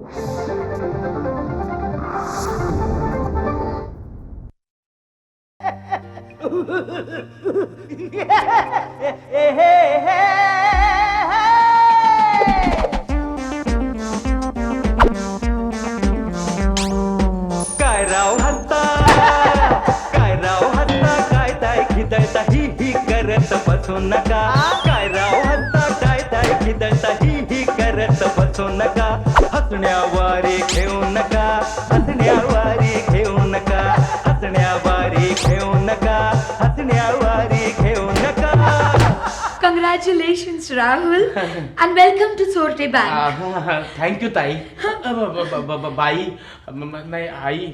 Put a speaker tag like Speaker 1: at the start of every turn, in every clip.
Speaker 1: काय राव हत्ता, काय राव हत्ता, काय ताय खिदळता ही करत बसू नका. काय राव हत्ता, काय ताय खिदळता ही करत बसू नका. हसण्यावारे घेऊ नका, हसण्यावारे घेऊ नका, हसण्यावारे घेऊ नका, हसण्यावारे घेऊ नका.
Speaker 2: Congratulations, Rahul, and welcome to Sorte Bank.
Speaker 3: Thank you ताई. बाई नाही आई.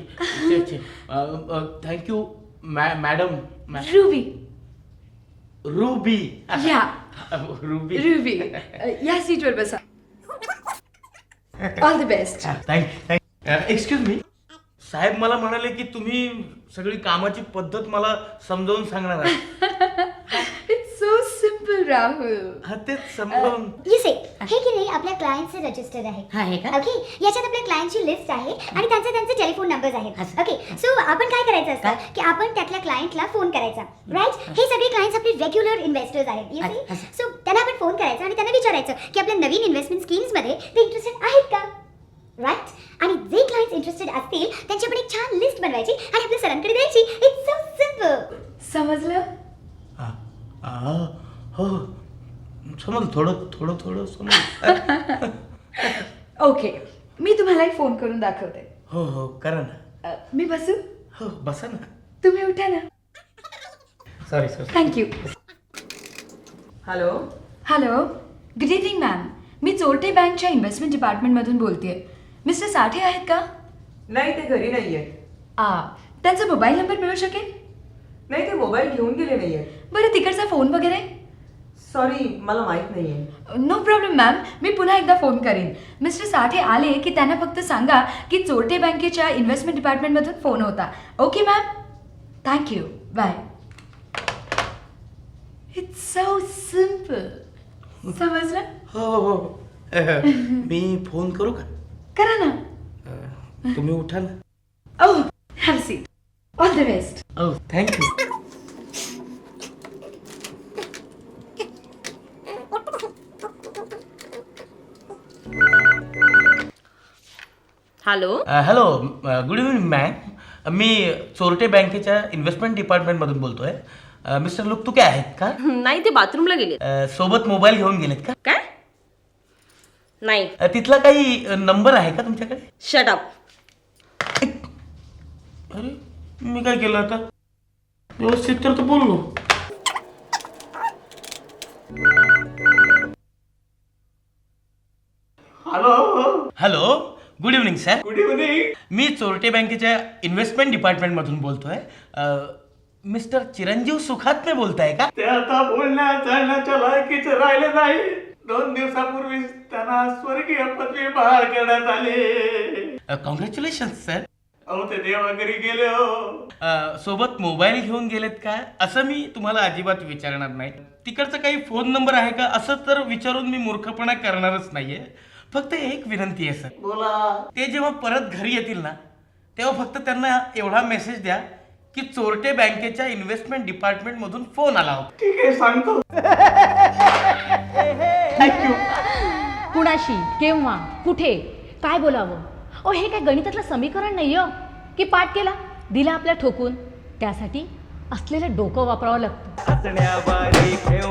Speaker 3: Thank you madam.
Speaker 2: Ruby.
Speaker 3: Ruby.
Speaker 2: Yeah,
Speaker 3: Ruby.
Speaker 2: Ruby. या सीटवर बसा. All the best.
Speaker 3: Excuse me साहेब, मला म्हणाले की तुम्ही सगळी कामाची पद्धत मला समजावून सांगणार आहात.
Speaker 2: It's so simple, Rahul.
Speaker 3: हा तेच समजावून.
Speaker 4: You see, हे की नाही आपल्या क्लायंटचे रजिस्टर आहे ओके. याच्यात आपल्या क्लायंटची लिस्ट आहे आणि त्यांचे टेलिफोन नंबर्स आहेत. ओके, सो आपण काय करायचं असतं की आपण त्यातल्या क्लायंटला फोन करायचा. राईट, हे सगळे क्लायंट्स आपले रेग्युलर इन्व्हेस्टर्स आहेत. यू सी, सो त्यांना आपण फोन करायचा आणि त्यांना विचारायचं की आपल्या नवीन इन्व्हेस्टमेंट स्कीम्स मध्ये ते इंटरेस्टेड आहेत का. राईट, आणि जे क्लायंट्स इंटरेस्टेड असतील त्यांची आपण एक छान लिस्ट बनवायची आणि आपल्या सरांकडे द्यायची. It's so simple.
Speaker 2: समजलं?
Speaker 3: हो समज, थोडं समज.
Speaker 2: ओके, मी तुम्हाला एक फोन करून दाखवते.
Speaker 3: हो करा ना.
Speaker 2: मी बसू?
Speaker 3: हो बसा ना.
Speaker 2: तुम्ही उठा ना.
Speaker 3: Sorry.
Speaker 2: Thank you.
Speaker 5: Hello.
Speaker 2: Hello, good evening ma'am. मी चोरटे बँकच्या इन्व्हेस्टमेंट डिपार्टमेंटमधून बोलतेय. मिस्टर साठे आहेत का?
Speaker 5: नाही, ते घरी नाहीये.
Speaker 2: त्यांचा मोबाईल नंबर मिळू शकेल?
Speaker 5: नाही, ते मोबाईल घेऊन गेले नाहीये.
Speaker 2: बरं, तिकडचा फोन वगैरे?
Speaker 5: सॉरी, मला माहित नाहीये.
Speaker 2: नो प्रॉब्लेम मॅम, मी पुन्हा एकदा फोन करीन. मिस्टर साठे आले की त्यांना फक्त सांगा की चोरटे बँकेच्या इन्व्हेस्टमेंट डिपार्टमेंटमधून फोन होता. Okay ma'am, thank you, bye. It's so simple. समजलं?
Speaker 3: हो मी फोन करू का?
Speaker 2: करा ना.
Speaker 3: तुम्ही उठा ना.
Speaker 2: Oh, have seat. All the best.
Speaker 3: Oh, thank you.
Speaker 6: Hello.
Speaker 3: Hello, good evening ma'am. मी चोरटे बँकेच्या इन्व्हेस्टमेंट डिपार्टमेंटमधून बोलतोय. मिस्टर लुकतुके आहेत का?
Speaker 6: नाही, ते बाथरूमला गेले.
Speaker 3: सोबत मोबाईल घेऊन गेलेत का?
Speaker 6: काय? नाही.
Speaker 3: तिथला काही नंबर आहे का तुमच्याकडे?
Speaker 6: Shut up.
Speaker 3: अरे, मी काय केलं आता? व्यवस्थित तर बोललो. Hello, good evening sir.
Speaker 1: Good evening.
Speaker 3: मी चोरटे बँकेच्या इन्व्हेस्टमेंट डिपार्टमेंटमधून बोलतोय. मिस्टर चिरंजीव सुखात्मे बोलताय का?
Speaker 1: ते आता बोलण्या चालण्याच्या लायकीचे राहिले नाही. 2 दिवसापूर्वी त्यांना स्वर्गीय पदवी बहाल करण्यात आली.
Speaker 3: Congratulation sir.
Speaker 1: अहो, ते देवाघरी गेले हो.
Speaker 3: सोबत मोबाईल घेऊन गेलेत का असं मी तुम्हाला अजिबात विचारणार नाही. तिकडचा काही फोन नंबर आहे का असं तर विचारून मी मूर्खपणा करणारच नाहीये. फक्त एक विनंती आहे सर.
Speaker 1: बोला.
Speaker 3: ते जेव्हा परत घरी येतील ना तेव्हा फक्त त्यांना एवढा मेसेज द्या की चोरटे बँकेच्या इन्व्हेस्टमेंट डिपार्टमेंट मधून फोन आला होता.
Speaker 1: ठीक आहे, सांगतो.
Speaker 3: थँक्यू.
Speaker 7: कुणाशी, केव्हा, कुठे, काय बोलावं? ओ, हे काय गणितातलं समीकरण नाही हो की पाठ केला दिला आपल्या ठोकून. त्यासाठी असलेलं डोकं वापरावं लागतं.
Speaker 1: हसण्यावारे घेऊ